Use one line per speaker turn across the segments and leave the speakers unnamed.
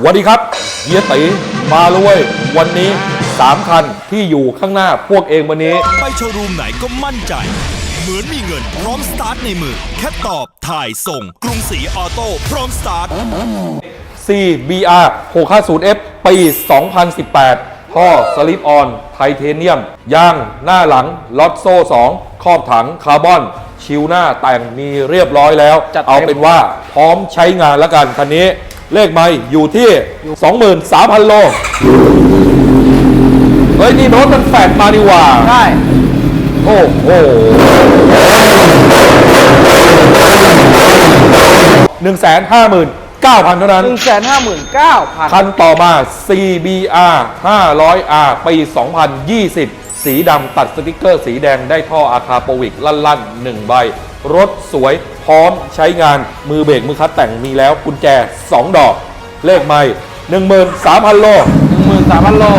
สวัสดีครับเฮียตีมาเลย วันนี้3คันที่อยู่ข้างหน้าพวกเองวันนี้
ไปโชว์รูมไหนก็มั่นใจเหมือนมีเงินพร้อมสตาร์ทในมือแค่ตอบถ่ายส่งกรุงศรีออโต้พร้อมสตาร์ท
CBR 650F ปี 2018 ท่อสลิปออนไทเทเนียมยางหน้าหลังล็อตโซ่ 2 ครอบถังคาร์บอนชิวหน้าแต่งมีเรียบร้อยแล้วเอาเป็นว่าพร้อมใช้งานแล้วกันคันนี้เลขไม่อยู่ที่ 23,000 โลเฮ้ยนี่รถมันแฟดมาดีกว่า
ใช่
โอ้โห159,000 เท่านั้น
159,000
คันต่อมา CBR 500R ปี 2020 สีดำตัดสติกเกอร์สีแดงได้ท่ออาคาโปวิกลั่นๆ1ใบรถสวยพร้อมใช้งานมือเบรกมือคัดแต่งมีแล้วกุญแจ2 ดอกเลขไม่ 13,000 โล
13,000 โล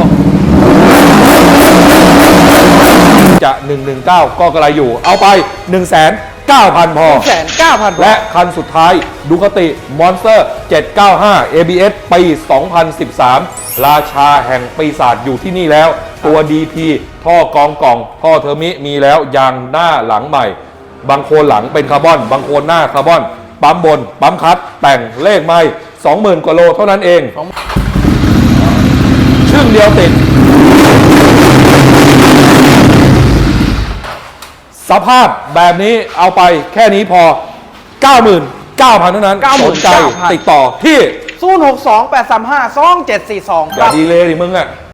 จะ119ก็กระไรอยู่เอาไป 1,900,000 พอ
1,900,000
และคันสุดท้ายดูคติมอนสเตอร์795 ABS ปี 2013 ราชาแห่งปีศาจอยู่ที่นี่แล้วตัว DP ท่อกองกล่องท่อเทอร์มิมีแล้วยางหน้าหลังใหม่บางโคนหลังเป็นคาร์บอนบางโคนหน้าคาร์บอนปั๊มบนปั๊มคัดแต่งเลขไม่ 20,000 กว่าโลเท่านั้นเองชึ่งเดียวติดสภาพแบบนี้เอาไปแค่นี้พอ 99,000 เท่านั้นสนใจติดต่อที่
062 835 2742
อย่าดีเลยดิมึงอ่ะ